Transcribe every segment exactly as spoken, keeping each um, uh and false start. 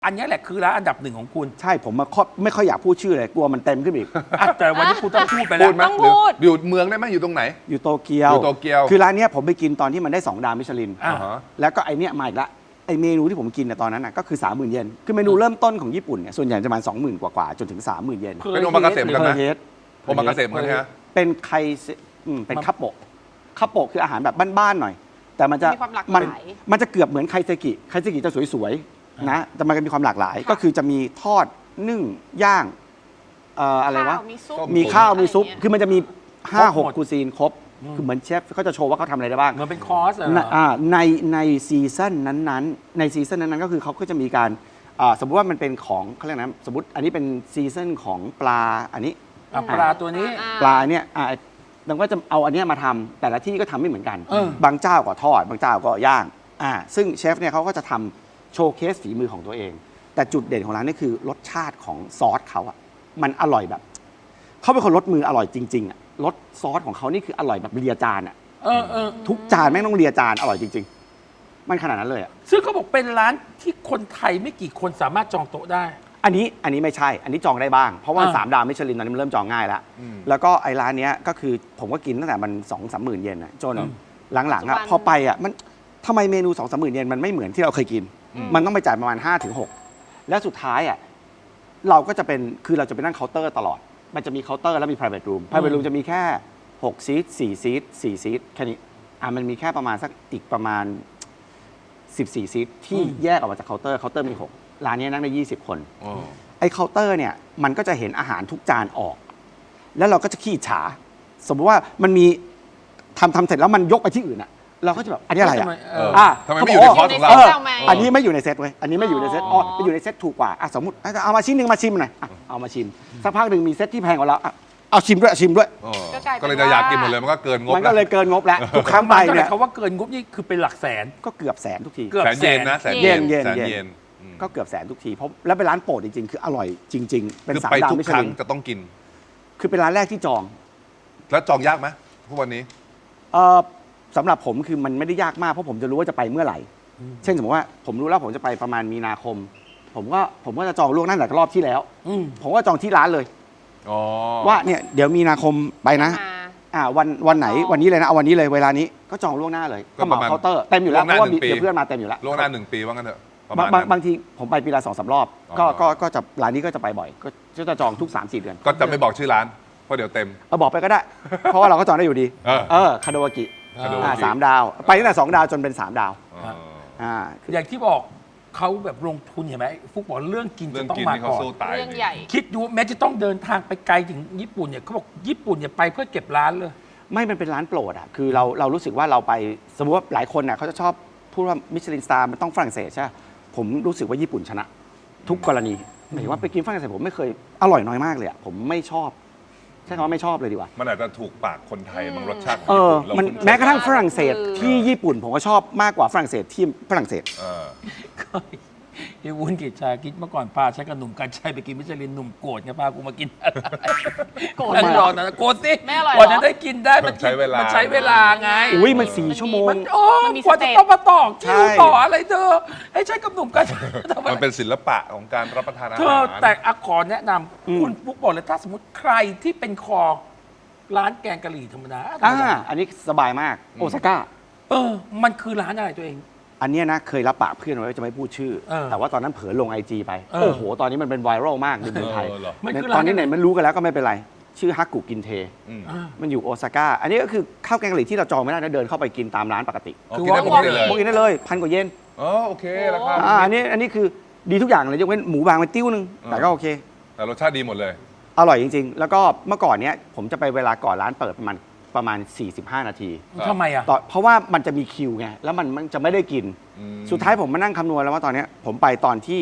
อันนี้แหละคือร้านอันดับหนึ่งของคุณใช่ผมมาไม่ค่อยอยากพูดชื่อเลยกลัวมันเต็มขึ้นอีกแต่วันนี้คุณต้องพูดไปแล้วพูดไหมต้องพูดอยู่เมืองได้ไหมอยู่ตรงไหนอยู่โตเกียวอยู่โตเกียวคือร้านนี้ผมไปกินตอนที่มันได้สองดาวมิชลินอ่าฮะแล้วก็ไอเนี้ยมาอีกละไอเมนูที่ผมกินในตอนนั้นนะก็คือ สามหมื่น เยนคือเมนูเริ่มต้นของญี่ปุ่นเนี่ยส่วนใหญ่จะประมาณ สองหมื่น กว่าๆจนถึง สามหมื่น เยนเป็นโอมากาเสะเหมือนกันนะเฮดโอมากาเสะเหมือนกันฮะเป็นไคอืมเป็นคัพโปะคัพโปะคืออาหารแบบบ้านๆหน่อยแต่มันจะมีความหลากหมันลายมันจะเกือบเหมือนไคเซกิไคเซกิจะสวยๆนะแต่มันก็มีความหลากหลาย ก็คือจะมีทอดนึ่งย่างเอ่ออะไรวะข้าวมีซุปมีข้าวมีซุปอะไรอย่างเงี้ยคือมันจะมี ห้าหกครบหมดคูซีนครบ คือเหมือนเชฟเขาจะโชว์ว่าเขาทำอะไรได้บ้างเหมือนเป็นคอร์สเหรในออ่าในในซีซั่นนั้นๆ ในซีซั่นนั้นๆ ก็คือเขาก็จะมีการอ่าสมมติว่ามันเป็นของเขาเรียกนะสมมติอันนี้เป็นซีซั่นของปลาอันนี้อ่ะปลาตัวนี้อ่ปลาเนี่ยอ่าดังก็จะเอาอันเนี้ยมาทำแต่ละที่ก็ทำไม่เหมือนกันเออบางเจ้าก็ทอด บางเจ้าก็ย่างอ่าซึ่งเชฟเนี่ยเขาก็จะทำโชว์เคสฝีมือของตัวเอง แต่จุดเด่นของร้านนี่คือรสชาติของซอสเขาอะมันอร่อยแบบเขาเป็นคนรสมืออร่อยจริงๆอะรสซอสของเขานี่คืออร่อยแบบเลียจานอะเออเออทุกจานแม่งต้องเลียจานอร่อยจริง ๆ มันขนาดนั้นเลยอะซึ่งเขาบอกเป็นร้านที่คนไทยไม่กี่คนสามารถจองโต๊ะได้อันนี้อันนี้ไม่ใช่ อันนี้จองได้บ้าง เพราะว่าอ่าสามดาวมิชลินตอนนี้มันเริ่มจองง่ายแล้วอืมแล้วก็ไอ้ร้านเนี้ยก็คือผมก็กินตั้งแต่มันสองสามหมื่นเยนอะจนอืมหลังๆอะปัจจุบันพอไปอะมันทำไมเมนูสองสามหมื่นเยนมันไม่เหมือนที่เราเคยกิน มันต้องไปจ่ายประมาณห้าถึงหกแล้วสุดท้ายอะเราก็จะเป็นคือเราจะไปนั่งเคาน์เตอร์ตลอด มันจะมีเคาน์เตอร์แล้วมี private room private room จะมีแค่หกซีทสี่ซีทสี่ซีทแค่นี้อ่ะมันมีแค่ประมาณสักอีกประมาณสิบสี่ซีทที่แยกออกมาจากเคาน์เตอร์เคาน์เตอร์มีหกร้านนี้นั่งได้ยี่สิบคนอ๋อไอ้เคาน์เตอร์เนี่ยมันก็จะเห็นอาหารทุกจานออก แล้วเราก็จะขี้ฉา สมมติว่ามันมีทำทำเสร็จแล้วมันยกไปที่อื่นอะเราก็จะแบบอันนี้อะไรทำอะไมเอเออออ่ะทำไมไม่อยู่ในคอร์สของเราเออทำไมอันนี้ไม่อยู่ในเซตเว้ยอันนี้ไม่อยู่ในเซตอ๋ออ๋อไปอยู่ในเซตถูกกว่าอ่ะสมมติเอามาชิ้นหนึ่งมาชิมหน่อยอ่ะเอามาชิมสักพักหนึ่งมีเซตที่แพงกว่าเราอ่ะเอาชิมด้วยชิมด้วยอ๋อก็กลายเป็นก็เลยจะอยากกินหมดเลยมันก็เกินงบมันก็เลยแวเกินงบแล้วทุกครั้งไปมันก็เลเนี่ย ยเขาว่าเกินงบนี่คือเป็นหลักแสนก็เกือบแสนทุกทีเกือบแสนเยนนะแสนเยนเยนแสนเยนเยนอืมก็เกือบแสนทุกทีเพราะแล้วเป็นร้านโปรดจริงๆ คืออร่อยจริง ๆ เป็นคือสามไปดาวทุกมิชครั้ลิงนจะต้องกินคือเป็นร้านแรกที่จองแล้วจองยากไหมทุกวันนี้เออสำหรับผมคือมันไม่ได้ยากมากเพราะผมจะรู้ว่าจะไปเมื่อไหร่ เช่นสมมติว่าผมรู้แล้วผมจะไปประมาณมีนาคม ผมก็ผมก็จะจองล่วงหน้าแต่รอบที่แล้วอืมผมก็จองที่ร้านเลยอ๋อว่าเนี่ยเดี๋ยวมีนาคมไปนะมาอ่าวันวันไหนอ๋อวันนี้เลยนะเอาวันนี้เลยเวลานี้ก็จองล่วงหน้าเลยก็เหมาเคาน์เตอร์เต็มอยู่แล้วเพราะว่ามีเดี๋ยวเพื่อนมาเต็มอยู่แล้วล่วงหน้าหนึ่งปีว่างั้นเถอะประบามาณงบางนั้นบางทีผมไปปีละสองสามรอบ ก็อ๋อก็ก็จะร้านนี้ก็จะไปบ่อย ก็ก็จะจองทุกสามสี่เดือนก็จะไม่บอกชื่อร้านเพราะเดี๋ยวเต็มเอาบอกไปก็ได้ เพราะว่าเราก็จองได้อยู่ดีเออเออคาโดวากิคาโดวากิอ่าสามดาว ไปตั้งแต่สองดาวจนเป็นสามดาวอ๋ออ่าอย่างที่บอกเขาแบบลงทุนเห็นไหมฟุกบอกเรื่องกินเรื่จะองต้องกินมานี่เขาก่อนสู้ตายเรื่องใหญ่คิดดูแม้จะต้องเดินทางไปไกลถึงญี่ปุ่นเนี่ยเขาบอกญี่ปุ่นเนี่ยไปเพื่อเก็บร้านเลยไม่มันเป็นร้านโปรดอ่ะ คือเราเรารู้สึกว่าเราไปสมมติว่าหลายคนน่ะเขาจะชอบพูดว่ามิชลินสตาร์มันต้องฝรั่งเศสใช่ไหมผมรู้สึกว่าญี่ปุ่นชนะ ทุกกรณีหมายถึงว่าไปกินฝรั่งเศสผมไม่เคยอร่อยน้อยมากเลยอ่ะผมไม่ชอบใช่คำว่าไม่ชอบเลยดีกว่ามันอาจจะถูกปากคนไทยบางรสชาติของเออญี่ปุ่นเรามันคุ้นเคยแม้กระทั่งฝรั่งเศสที่ญี่ปุ่นผมก็ชอบมากกว่าฝรั่งเศสที่ฝรั่งเศสเออไอ้วุ้นกิจชาคิดเมื่อก่อนพาฉันกับหนุ่มกันชัยไปกินมิชลินหนุ่มโกรธไงพากูมากินโกรธฉันเหรอรอนะโกรธสิไม่อร่อยเหรอกว่าจะได้กินได้มันใช้เวลามันใช้เวลาไงอุ้ยมันสี่ชั่วโมงมันโอ้มันมีกว่าสเต็จะปต้องมาต่อใช่คิวต่ออะไรเธอให้ฉันกับหนุ่มกันชัยทำไมมันเป็นศิลปะของการรับประทานอาเธหาอรแต่อะขอแนะนอืมำคุณปุ๊กบอกเลยถ้าสมมติใครที่เป็นคอร้านแกงกะหรี่ธรรมดาธรรอ่ามดาอันนี้สบายมากโอซาก้าเออ มันคือร้านอะไรตัวเองอันเนี้ยนะเคยรับปากเพื่อนไว้ว่าจะไม่พูดชื่อเออแต่ว่าตอนนั้นเผลอลงไอจีไปเออโอ้โห ตอนนี้มันเป็นไวรัลมากในเมืองไทยเออเหรอมันคือตอนนี้ร้านไหนมันรู้กันแล้วก็ไม่เป็นไร ชื่อฮักกุกินเทอืมอ่ามันอยู่โอซาก้า อันนี้ก็คือข้าวแกงกะหรี่ที่เราจองไม่ได้นะเดินเข้าไปกินตามร้านปกติอ๋อคือกินได้ว่าปกติเลยพวกกินได้เลยพันกว่าเยนอ๋อโอเคราคาอ่าอันนี้อันนี้คือดีทุกอย่างเลยยกเว้นหมูบางไปติ้วนึง แต่ก็โอเคแต่รสชาติดีหมดเลยอร่อยจริง ๆ แล้วก็เมื่อก่อนเนี้ยผมจะไปเวลาก่อนร้านเปิดประมาณประมาณ สี่สิบห้า นาทีครับทำไมอ่ะต่อเพราะว่ามันจะมีคิวไงแล้วมันมันจะไม่ได้กินอืมสุดท้ายผมมานั่งคำนวณแล้วว่าตอนเนี้ยผมไปตอนที่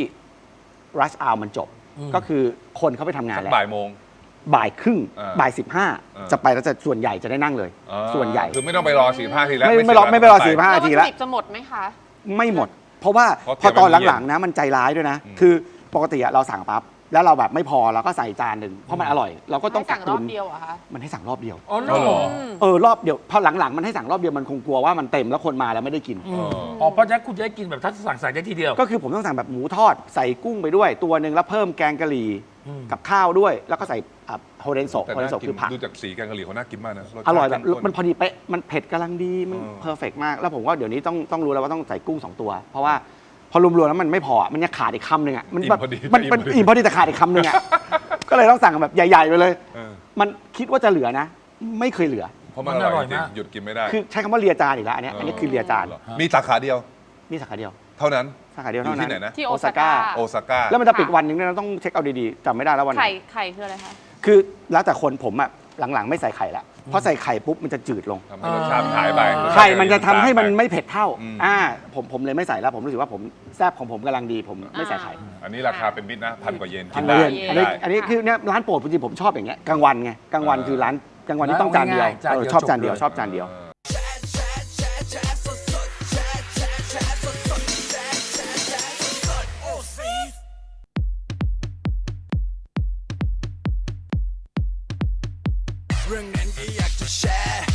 rush hour มันจบอืมก็คือคนเขาไปทำงานสักแล้วบ่ายโมงบ่ายครึ่งอ่าบ่ายสิบห้าอ่าจะไปแล้วจะส่วนใหญ่จะได้นั่งเลยอ่าส่วนใหญ่คือไม่ต้องไปรอสี่ห้าทีแล้วไม่ไม่รอไม่ไปรอสี่ห้าแล้วนาทีวัตถุแล้วดิบจะหมดไหมคะไม่หมด เพราะว่าเพราะพอตอนเตรียมไว้หลังๆนะมันใจร้ายด้วยนะอืมคือปกติอะเราสั่งปั๊บแล้วเราแบบไม่พอเราก็ใส่จานหนึ่งเพราะมันอร่อย เราก็ต้องให้กัสั่กงรตุอบนเดียวเหรอคะมันให้สั่งรอบเดียวอ๋อเหรอ๋อเหรออมเออรอบเดียวพอหลังๆมันให้สั่งรอบเดียวมันคงกลัวว่ามันเต็มแล้วคนมาแล้วไม่ได้กินอืมอ๋อเพราะฉะนั้นคุณจะได้กินแบบถ้าสั่งใส่ได้ทีเดียวก็คือผมต้องสั่งแบบหมูทอดใส่กุ้งไปด้วยตัวหนึ่งแล้วเพิ่มแกงกะหรี่อืมกับข้าวด้วย แล้วก็ใส่อ่ะโฮเรนโซแต่โฮเรนน่าโซกิคือผักดูจากสีแกงกะหรี่เขาน่ากินมากนะสชาติอร่อยแบบเข้ข้มันพอดีเป๊ะมันเผ็ดกำลังดีมันเออเพอร์เฟกมากแล้วผมว่าเดี๋ยวนี้ต้องต้องรู้แล้วว่าต้องใส่กุ้งสองตัว เพราะว่าพอรวมๆแล้วมันไม่พออ่ะมันยังขาดอีกคำหนึ่งอ่ะมันแบบอิ่มพอดีมันมันอิ่มพอดีอิ่มพอดีแต่ขาดอีกคำหนึ่งอ่ะ ก็เลยต้องสั่งแบบใหญ่ๆไปเลยเออมันคิดว่าจะเหลือนะ ไม่เคยเหลือเพราะมันอร่อยจริงมันอร่อยมากหยุดกินไม่ได้คือใช้คำว่าเลียจานอีกแล้วอันเนี้ยอันนี้คือเลียจานหรอมีสาขาเดียวนี่สาขาเดียวเท่านั้นสาขาเดียวอยู่เท่านั้ที่นไหนนะที่โอซาก้าโอซาก้าแล้วมันจะปิดค่ะวันหนึงด้วยนะต้องเช็คเอาดีๆจำไม่ได้แล้ววันไหนไข่ไข่คืออะไรคะคือแล้วแต่คนผมอะหลังๆไม่ใส่ไข่ละเพราะใส่ไข่ปุ๊บมันจะจืดลงทำให้รสชาติมันหายไปไข่มันจะทำให้มันไม่เผ็ดเท่าอืมอ่าผมผมเลยไม่ใส่แล้วผมรู้สึกว่าผมแซ่บของผมกำลังดีผมไม่ใส่ไข่อันนี้ราคาเป็นมิตรนะพันกว่าเยนอักินนนี้ได้อันนี้ได้อันนี้คือเนี่ยร้านโปรดจริงๆผมชอบอย่างเงี้ยกลางวันไงกลางวันคือร้านกลางวันที่ต้องจานเดียวจานเอเดีอยวชอบจานเดียวจบเลยชอบจานเดียวเรื่องนั้นก็อยากจะแชร์